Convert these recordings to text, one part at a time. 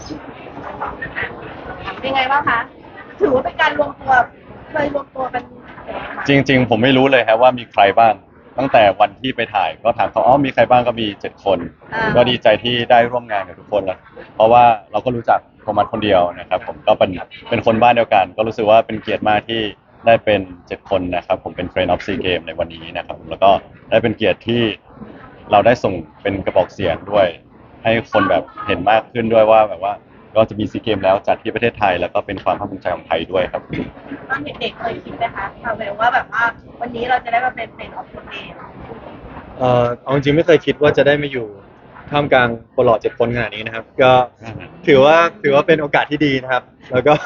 เป็นไงบ้างคะถือว่าเป็นการรวมตัวเคยรวมตัวกันจริงๆผมไม่รู้เลยครับว่ามีใครบ้างตั้งแต่วันที่ไปถ่ายก็ถามเขามีใครบ้างก็มี7 คนก็ดีใจที่ได้ร่วมงานกับทุกคนแล้วเพราะว่าเราก็รู้จักโทมัสคนเดียวนะครับผมก็เป็นคนบ้านเดียวกันก็รู้สึกว่าเป็นเกียรติมากที่ได้เป็น7 คนนะครับผมเป็น Friend of Sea Game ในวันนี้นะครับแล้วก็ได้เป็นเกียรติที่เราได้ส่งเป็นกระบอกเสียงด้วยให้คนแบบเห็นมากขึ้นด้วยว่าแบบว่าก็จะมีซีเกมแล้วจัดที่ประเทศไทยแล้วก็เป็นความภาคภูมิใจของไทยด้วยครับตอนเด็กๆเคยคิดไหมคะคาเวลว่าแบบว่าวันนี้เราจะได้มาเป็นเฟรนด์ออฟเกมเอาจริงๆไม่เคยคิดว่าจะได้มาอยู่ท่ามกลางคนหล่อ7 คนขนาดนี้นะครับก็ถือว่าเป็นโอกาสที่ดีนะครับแล้วก็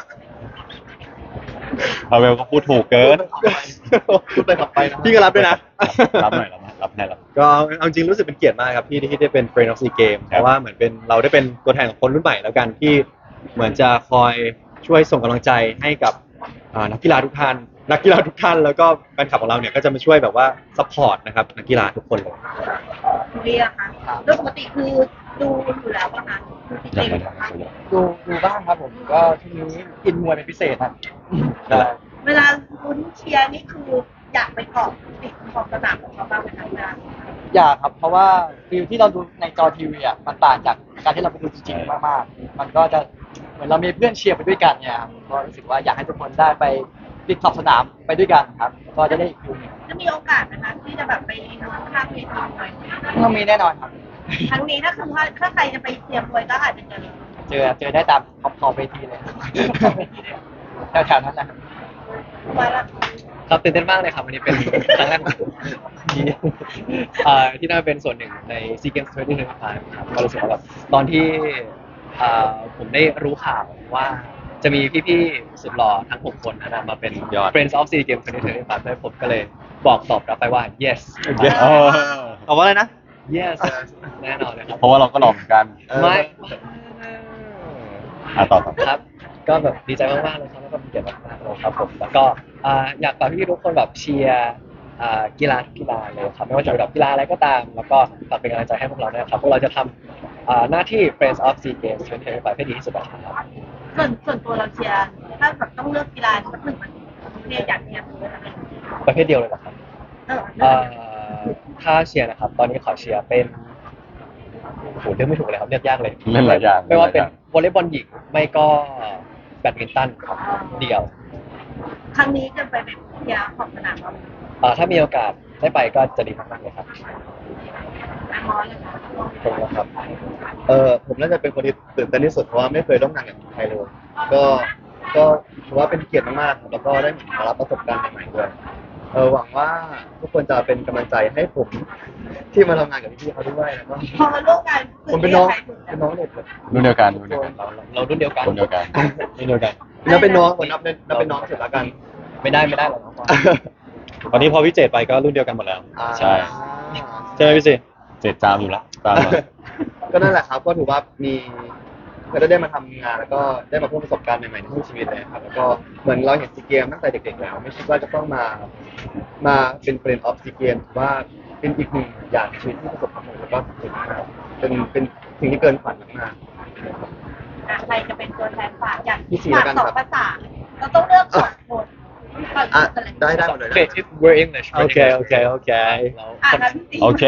พาเวลก็พูดถูกเกินพูดไปขับไปนะพี่ก็รับด้วยนะรับหน่อยรับให้รับก็เอาจริงรู้สึกเป็นเกียรติมากครับที่ได้เป็น Friend of Sea Game เพราะว่าเหมือนเป็นเราได้เป็นตัวแทนของคนรุ่นใหม่แล้วกันที่เหมือนจะคอยช่วยส่งกำลังใจให้กับนักกีฬาทุกท่านแล้วก็แฟนคลับของเราเนี่ยก็จะมาช่วยแบบว่าซัพพอร์ตนะครับนักกีฬาทุกคนเลยเรียกค่ะโดยปกติคือดูอยู่แล้วป่ะคะดูจริงๆนะคะดูบ้างครับผมก็ช่วงนี้อินมวยเป็นพิเศษครับใช่เวลาลุ้นเชียร์นี่คืออยากไปเกาะติดขอบสนามของเขาบ้างไหมคะเวลาอยากครับเพราะว่าฟิลที่เราดูในจอทีวีอ่ะมันต่างจากการที่เราไปดูจริงๆมากๆมันก็จะเหมือนเรามีเพื่อนเชียร์ไปด้วยกันเนี่ยครับก็รู้สึกว่าอยากให้ทุกคนได้ไปติดขอบสนามไปด้วยกันครับก็จะได้อีกฟิลหนึงจะมีโอกาสนะคะที่จะแบบไปลุ้นข้างเวทีมวยต้องมีแน่นอนครับครั้งนี้ถ้าคือว่าถ้าใครจะไปเชียร์มวยก็อาจจะเจอเจอได้ตามขอบเวทีเลยครับแถวๆนั้นนะครับว่าละครับตื่นเต้นมากเลยครับวันนี้เป็นครั้งแรกของผมที่ที่ได้เป็นส่วนหนึ่งใน SEA Games 2025ครับก็รู้สึกว่าแบบตอนที่ผมได้รู้ข่าวว่าจะมีพี่ๆสุดหล่อทั้ง6 คนนะมาเป็นยอด Friends of SEA Games 2025ด้วยผมก็เลยบอกตอบรับไปว่า yes เออตอบว่าอะไรนะ yes แน่นอนเลยครับเพราะว่าเราก็หล่อเหมือนกันไม่ต่อครับก็แบบดีใจมากๆเลยครับแล้วก็เป็นเกียรติมากๆเลยครับผมแล้วก็อยากฝากพี่ๆทุกคนแบบเชียร์กีฬาทุกกีฬาเลยครับไม่ว่าจะเป็นแบบกีฬาอะไรก็ตาม แล้วก็ฝากเป็นกำลังใจให้พวกเราด้วยครับพวกเราจะทำหน้าที่ Friends of Sea Games 2025ให้ดีที่สุดนะครับส่วนตัวเราเชียร์ถ้าแบบต้องเลือกกีฬาสักหนึ่งมันเรียกอยากเชียร์คืออะไรประเภทเดียวเลยเหรอครับเออเอ่ถ้าเชียร์นะครับ ตอนนี้ขอเชียร์เป็นโอ้โหเลือกไม่ถูกเลยครับเลือกยากเลยเล่นหลายอย่างไม่ว่าเป็นวอลเลย์บอลหญิงไม่ก็แบดมินตันครับเดี่ยวครั้งนี้จะไปเป็นเชียร์ของสนามเราถ้ามีโอกาสได้ไปก็จะดีมากๆเลยครับแม่มอสเลยค่ะขอบคุณครับผมน่าจะเป็นคนที่ตื่นเต้นที่สุดเพราะว่าไม่เคยร่วมงานกับใครเลยก็ก็ถือว่าเป็นเกียรติมากๆครับแล้วก็ได้มารับประสบการณ์ใหม่ๆด้วยหวังว่าทุกคนจะเป็นกำลังใจให้ผมที่มาทำงานกับพี่ๆเขาด้วยแล้วก็พอมาร่วมงานผมเป็นน้องเด็กเลยรุ่นเดียวกันเรารุ่นเดียวกันคนเดียวกันรุ่นเดียวกันนับเป็นน้องผมนับเป็นน้องเสร็จแล้วกันไม่ได้หรอกน้องปอนตอนนี้พอพี่เจตไปก็รุ่นเดียวกันหมดแล้วใช่ใช่ไหมพี่เจตเจ็ดจามอยู่แล้วตามมาก็นั่นแหละครับก็ถือว่ามีก็ได้มาทำงานแล้วก็ได้มาเพิ่มประสบการณ์ใหม่ๆในชีวิตเลยครับแล้วก็เหมือนเราเห็นซีเกมตั้งแต่เด็กๆแล้วไม่คิดว่าจะต้องมาเป็นเฟรนด์ออฟซีเกมว่าเป็นอีกหนึ่งอย่างในชีวิตที่ประสบความสำเร็จแล้วก็สุดมากเป็นสิ่งที่เกินฝันมากใครจะเป็นตัวแทนฝากอยากพี่สี่ฝากแล้วกันสองครับภาษาเราต้องเลือกสองคนๆได้หมดเลยนะ Okay, if we're English. we're Okay, English. okay, okay. เรางั้นพี่สี่โอเค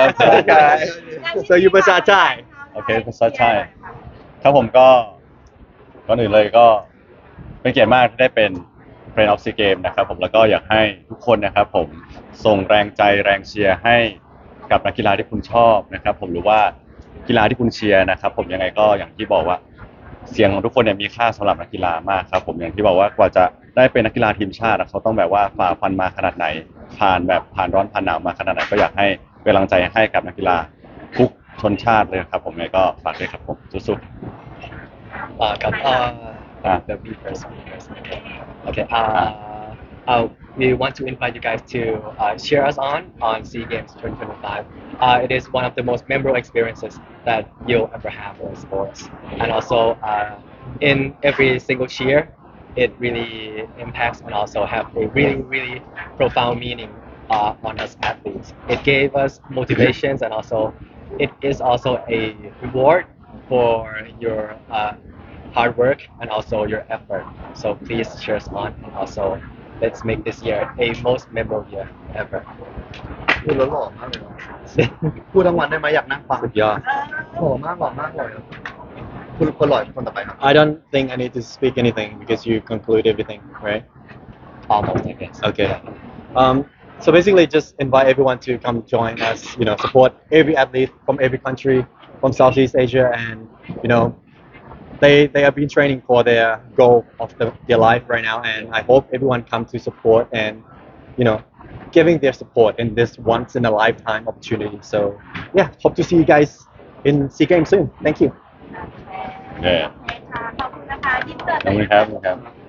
So you ภาษาไทยโอเคภาษาไทย ครับผมก็ก่อนอื่นเลยก็เป็นเกียรติมากที่ได้เป็น Friend of Sea Game นะครับผมแล้วก็อยากให้ทุกคนนะครับผมส่งแรงใจแรงเชียร์ให้กับนักกีฬาที่คุณชอบนะครับผมหรือว่ากีฬาที่คุณเชียร์นะครับผมยังไงก็อย่างที่บอกว่าเสียงของทุกคนเนี่ยมีค่าสำหรับนักกีฬามากครับผมอย่างที่บอกว่ากว่าจะได้เป็นนักกีฬาทีมชาติเขาต้องแบบว่าฝ่าฟันมาขนาดไหนผ่านร้อนผ่านหนาวมาขนาดไหนก็อยากให้เป็นกำลังใจให้กับนักกีฬาทุกชนชาติเลยครับผมยังไงก็ฝากด้วยครับผมสู้ๆกับ Ah. the B first. Okay. We want to invite you guys to cheer us on SEA Games 2025. It is one of the most memorable experiences that you'll ever have in sports, and also in every single cheer, it really impacts and also have a really profound meaning on us athletes. It gave us motivations and also it is also a reward for your hard work and also your effort. So please cheer us on and also let's make this year a most memorable year ever. พูดแล้วหล่อมากเลยนะพูดทั้งวันได้ไหมอยากนั่งฟังสุดยอดเออหล่อมากหล่อมากเลยอะคุณคนหล่อคนต่อไปครับ I don't think I need to speak anything because you conclude everything, right? Almost, I guess. Okay. So basically, just invite everyone to come join us. You know, support every athlete from every country from Southeast Asia, and you know, they have been training for their goal of their life right now, and I hope everyone come to support and you know, giving their support in this once in a lifetime opportunity. So yeah, hope to see you guys in SEA Games soon. Thank you. เนี่ยโอเคค่ะขอบคุณนะคะยินเสิร์ตขอบคุณครับ